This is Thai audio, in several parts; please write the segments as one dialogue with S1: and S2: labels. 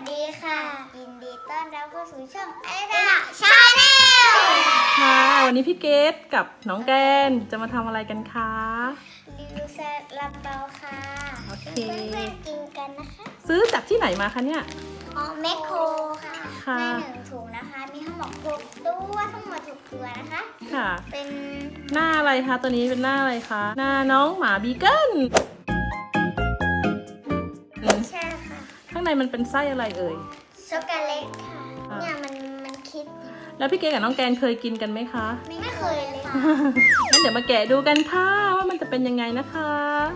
S1: ดีค่ะยินดีต้อนรับเข้าสู่ช่องอะไรนะชาแนล
S2: ค่ะวันนี้พี่เกดกับน้องแกนจะมาทำอะไรกันคะ
S1: รีวิวซาลาเปาค่ะ
S2: โอเค
S1: เพื่อนๆกินกันนะคะ
S2: ซื้อจากที่ไหนมาคะเนี่ย
S1: แมคโครค่ะใน1 ถุงนะคะมีทั้งหมด6 ตัวทั้งหมด6 ตัวนะคะ
S2: ค่ะ
S1: เป็น
S2: หน้าอะไรคะตัวนี้เป็นหน้าอะไรคะหน้าน้องหมาบีเกิล
S1: ใช่ค่ะ
S2: ข้างในมันเป็นไส้อะไรเอ่ย
S1: ช็อกโกแลตค่ะเนี่ยมันคิด
S2: แล้วพี่เกดกับน้องแกนเคยกินกันไหมคะ
S1: ไม่เคยเลยค่ะ
S2: งั้นเดี๋ยวมาแกะดูกันค่ะว่ามันจะเป็นยังไงนะคะ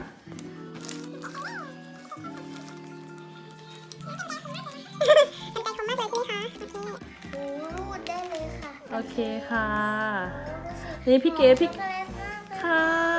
S1: รูดได้เลยค่ะ
S2: โอเคค่ะนี่พี่เกดพี่ค่ะ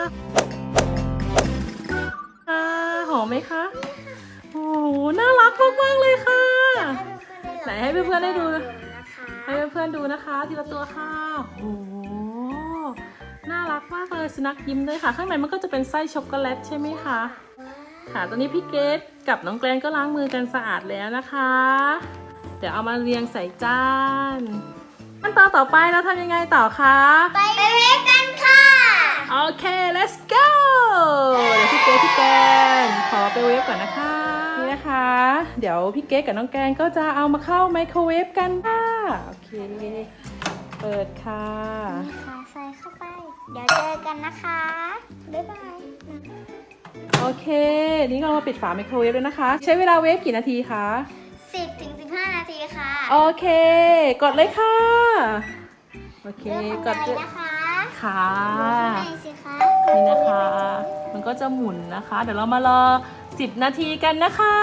S2: ค่ะหอมไหมคะโอ้โหน่ารักมากๆเลยค่ะไหนให้เพื่อนๆได้ดูให้เพื่อนๆดูนะคะทีละตัวค่ะโอ้โหน่ารักมากเลยสุนัขยิ้มด้วยค่ะข้างในมันก็จะเป็นไส้ช็อกโกแลตใช่ไหมคะค่ะตอนนี้พี่เกดกับน้องแกรนก็ล้างมือกันสะอาดแล้วนะคะเดี๋ยวเอามาเรียงใส่จานขั้นตอนต่อไปเราทำยังไงต่อคะ
S1: ไปเวฟกันค่ะ
S2: โอเค let's go เดี๋ยวพี่แกนขอไปเวฟก่อนนะคะนี่นะคะเดี๋ยวพี่เกดกับน้องแกนก็จะเอามาเข้าไมโครเวฟกันค่ะโอเคเปิดค่ะ
S1: ใส่เข้าไปเดี๋ยวเจอกันนะคะบ๊ายบาย
S2: โอเคนี่เรามาปิดฝาไมโครเวฟแล้วนะคะใช้เวลาเวฟกี่นาทีคะ
S1: 10 ถึง 15 นาทีค่ะ
S2: โอเคกดเลยค่ะโอเค
S1: กดเลยนะคะ
S2: ค่ะ
S1: สิคะ
S2: นี่นะคะมันก็จะหมุนนะคะเดี๋ยวเรามารอ10 นาทีกันนะคะ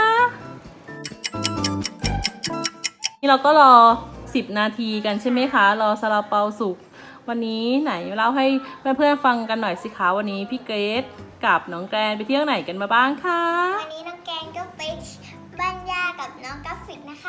S2: นี่เราก็รอ10 นาทีกันใช่ไหมคะรอซาลาเปาสุกวันนี้ไหนเล่าให้เพื่อนๆฟังกันหน่อยสิคะวันนี้พี่เกรซกับน้องแกรนไปเที่ยวไหนกันมาบ้างคะ
S1: วันนี้น้องแกนก็ไปบ้านย่ากับน้องกราฟิกนะคะ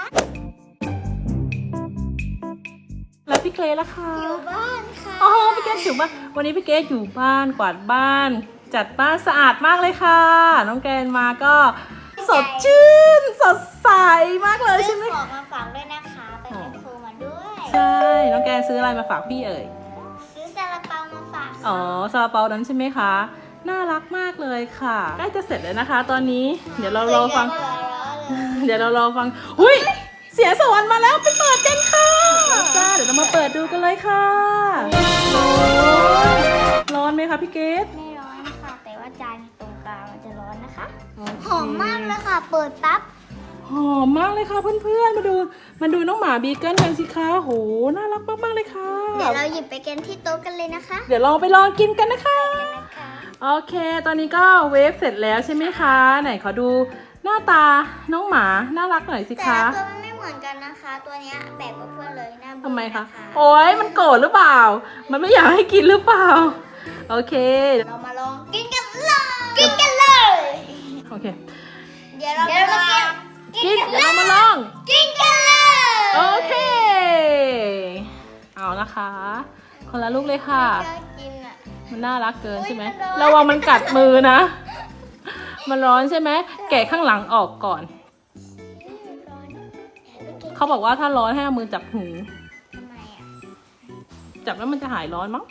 S2: แล้วพี่เกรซล่ะคะ
S1: อยู่บ้านค่ะ
S2: อ๋อพี่เกรซอยู่บ้านวันนี้พี่เกรซอยู่บ้านกวาดบ้านจัดบ้านสะอาดมากเลยค่ะน้องแกรนมาก็สดชื่นสดใสมากเลยใช่ไหม
S1: ของมาฝากด้วยนะคะไปแมคโครมาด้วย
S2: ใช่น้องแกรนซื้ออะไรมาฝากพี่เอ่ย
S1: ซื้อซาลาเปามาฝาก
S2: อ๋อซาลาเปานั้นใช่ไหมคะน่ารักมากเลยค่ะใกล้จะเสร็จแล้วนะคะตอนนี้เดี๋ยวเรารอฟังหุ้ยเสียงสวรรค์มาแล้วไปเปิดกันค่ะจ้าเดี๋ยวเรามาเปิดดูกันเลยค่ะร้อนไหมคะพี่เกด
S1: ไม่ร้อนค่ะแต่ว่าจานตรงกลางมันจะร้อนนะคะหอมมากเลยค่ะเปิดปั๊บ
S2: หอมมากเลยค่ะเพื่อนๆมาดูน้องหมาบีเกิลกันสิคะโหน่ารักมากๆเลยค่ะ
S1: เดี๋ยวเราหยิบไปกันที่โต๊ะกันเลยนะคะ
S2: เดี๋ยวเราไปลองกินกันนะคะโอเคตอนนี้ก็เวฟเสร็จแล้วใช่ไหมคะไหนขอดูหน้าตาน้องหมาน่ารักหน่อยสิคะ
S1: แต่ตัวมันไม่เหมือนกันนะคะตัวนี้แปลกกว่าเพื่อนเลยนะ
S2: ทำไมคะโอ๊ยมันโกรธหรือเปล่ามันไม่อยากให้กินหรือเปล่าโอเค
S1: เรามาลองกินกันเลย
S2: โอเค
S1: เดี๋ยวเรามา
S2: กินเดี๋ยวเรามาลอง
S1: กินกันเลย
S2: โอเคเอานะคะคนละลูกเลยค่ะมันน่ารักเกินใช่ไหมระวังมันกัดมือนะมันร้อนใช่ไหมแกะข้างหลังออกก่อนเขาบอกว่าถ้าร้อนให้เอามือจับหู
S1: ทำไมอ่ะ
S2: จับแล้วมันจะหายร้อนมั้ง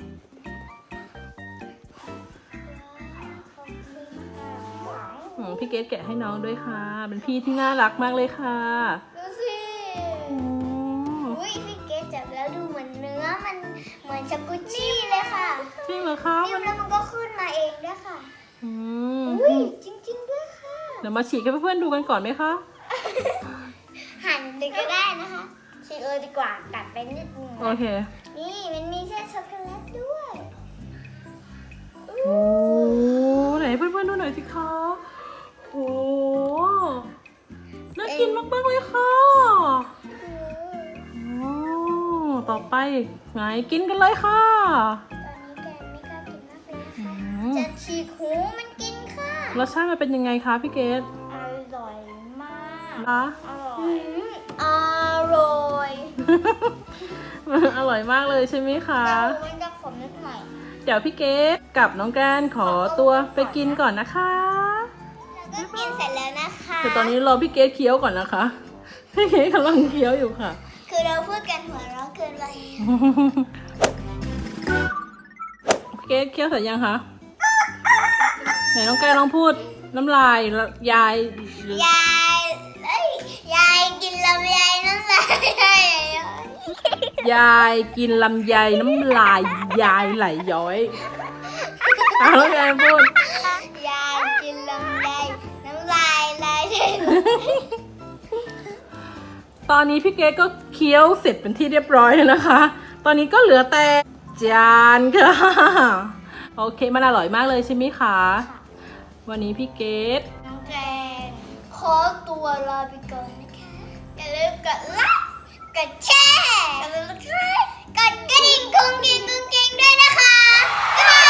S2: พี่เกดแกะให้น้องด้วยค่ะเป็นพี่ที่น่ารักมากเลยค่ะ
S1: ดูสิอุ้ยพี่เกดจับแล้วดูเหมือนเนื้อมันเหมือนช็อกโกชี่เลยค่ะ
S2: จริงเหรอคะ
S1: นิ่มแล้วมันก็ขึ้นมาเองด้วยค่ะ
S2: อุ้
S1: ยจริงๆด้วยค่ะ
S2: เดี๋ยวมาฉีกให้เพื่อนๆดูกันก่อนไหมคะ
S1: หั่นเลยก็ได้นะคะฉีกเลยดีกว่ากัดไปนิดนึง
S2: โอเค
S1: นี่มันมีเส้นช็อกโกแลตด้วย
S2: โอ้ไหนเพื่อนๆดูหน่อยสิคะโอ้น่ากินมากๆเลยค่ะโอ้ต่อไปไงกินกันเลยค่ะ
S1: ตอนนี้แกไม่กล้ากินมากเลยนะคะจะฉีกหูมันกินค่ะ
S2: รสชาติมันเป็นยังไงคะพี่เกด
S1: อร่อยมาก
S2: นะ
S1: อร่อย
S2: อร่อยมากเลยใช่ไหมคะ
S1: แต่มันจะขมนิดหน่อย
S2: เดี๋ยวพี่เกดกับน้องแกรนขอตัวไปกินก่อนนะคะ
S1: แล้วก็กินเสร็จแล้วนะคะ
S2: แต่ตอนนี้รอพี่เกดเคี้ยวก่อนนะคะพี่เกดกำลังเคี้ยวอยู่ค่ะ
S1: คือเราพูดกันหัวเราะเกินไป
S2: พี่เกดเคี้ยวเสร็จยังคะไหนน้องแก้วลองพูดน้ำลายยาย
S1: ยายเอ้ยยายกินลำไยน้ำลาย
S2: ยายกินลำไยน้ำลายยายไหลย้อยน้องแก้วพูด
S1: ยายกินลำไยน้ำลายไหล
S2: ตอนนี้พี่เกดก็เคี้ยวเสร็จเป็นที่เรียบร้อยแล้วนะคะ ตอนนี้ก็เหลือแต่จานค่ะ โอเคมันอร่อยมากเลยใช่ไหมคะ วันนี้พี่เกด
S1: น้องแกงขอตัวลาไปก่อนนะคะอย่าลืมกดไลค์กดแชร์กดกระดิ่งกุ้งกิ้งด้วยนะคะบ๊ายบาย